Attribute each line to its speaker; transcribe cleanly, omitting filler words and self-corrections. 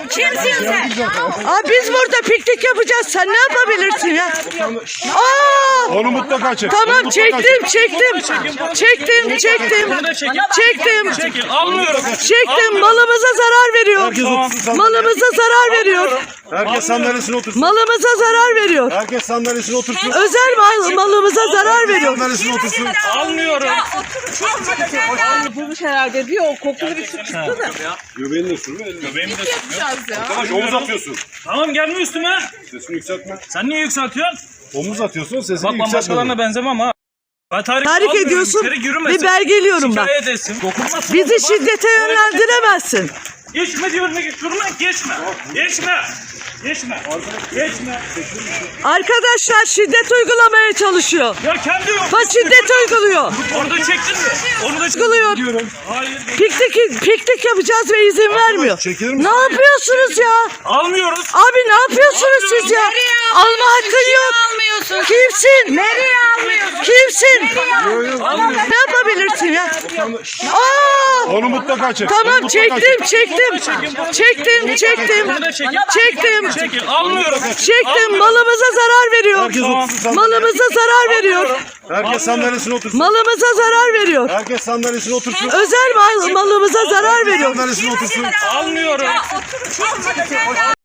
Speaker 1: Kimsin sen?
Speaker 2: Biz burada piknik yapacağız. Sen ne yapabilirsin ya?
Speaker 3: Onu mutlaka çek.
Speaker 2: Tamam çektim.
Speaker 4: Çekil. Almıyorum.
Speaker 2: Çektim. Malımıza zarar veriyor.
Speaker 3: Herkes otursun sandalyeye.
Speaker 2: Malımıza zarar veriyor.
Speaker 3: Herkes sandalyesine otursun.
Speaker 2: Malımıza zarar veriyor.
Speaker 3: Herkes sandalyesine otursun.
Speaker 2: Özel malımıza zarar veriyor.
Speaker 3: Sandalyesine otursun.
Speaker 4: Almıyorum.
Speaker 1: Bulmuş herhalde diyor. O kokulu bir su çıktı da.
Speaker 3: Göbeğini de sürme.
Speaker 4: Göbeğimi de sıkıyor.
Speaker 3: Arkadaş omuz atıyorsun.
Speaker 4: Tamam gelme üstüme.
Speaker 3: Sesini yükseltme.
Speaker 4: Sen niye yükseltiyorsun?
Speaker 3: Omuz atıyorsun sesini
Speaker 4: Bak ben
Speaker 3: yükseltme.
Speaker 4: başkalarına benzemem ha. Ben
Speaker 2: Tahrik
Speaker 4: almıyorum.
Speaker 2: ediyorsun
Speaker 4: İçeri yürümesin.
Speaker 2: ve belgeliyorum ben.
Speaker 4: Şikayet etsin. Dokunmasın.
Speaker 2: Bizi şiddete yönlendiremezsin.
Speaker 4: Geçme diyorum. Şuruna geçme. Geçme.
Speaker 2: Arkadaşlar şiddet uygulamaya çalışıyor.
Speaker 4: Ya kendi yok.
Speaker 2: Şiddet uyguluyor.
Speaker 4: Orada çektin mi? Onu da
Speaker 2: Uyguluyor.
Speaker 4: Hayır.
Speaker 2: Piknik yapacağız ve izin vermiyor.
Speaker 3: çekilir misin?
Speaker 2: Ne yapıyorsunuz ya?
Speaker 4: Almıyoruz.
Speaker 2: Abi ne yapıyorsunuz siz ya? Alma hakkın yok.
Speaker 1: Almıyorsun.
Speaker 2: Kimsin?
Speaker 1: Nereye almıyorsun?
Speaker 2: Kimsin? Ne yapabilirsin ya?
Speaker 3: Onu mutlaka çek.
Speaker 2: Tamam
Speaker 3: Onu mutlaka çek.
Speaker 2: çektim.
Speaker 4: Çekil. Almıyorum.
Speaker 2: Çektim. Malımıza zarar veriyor.
Speaker 3: Herkes otursun sandalyeye.
Speaker 2: Malımıza zarar veriyor.
Speaker 3: Herkes sandalyesine otursun.
Speaker 2: Malımıza zarar veriyor.
Speaker 3: Herkes sandalyesine otursun.
Speaker 2: Özel malımıza zarar veriyor.
Speaker 3: Sandalyesine otursun.
Speaker 4: Almıyorum.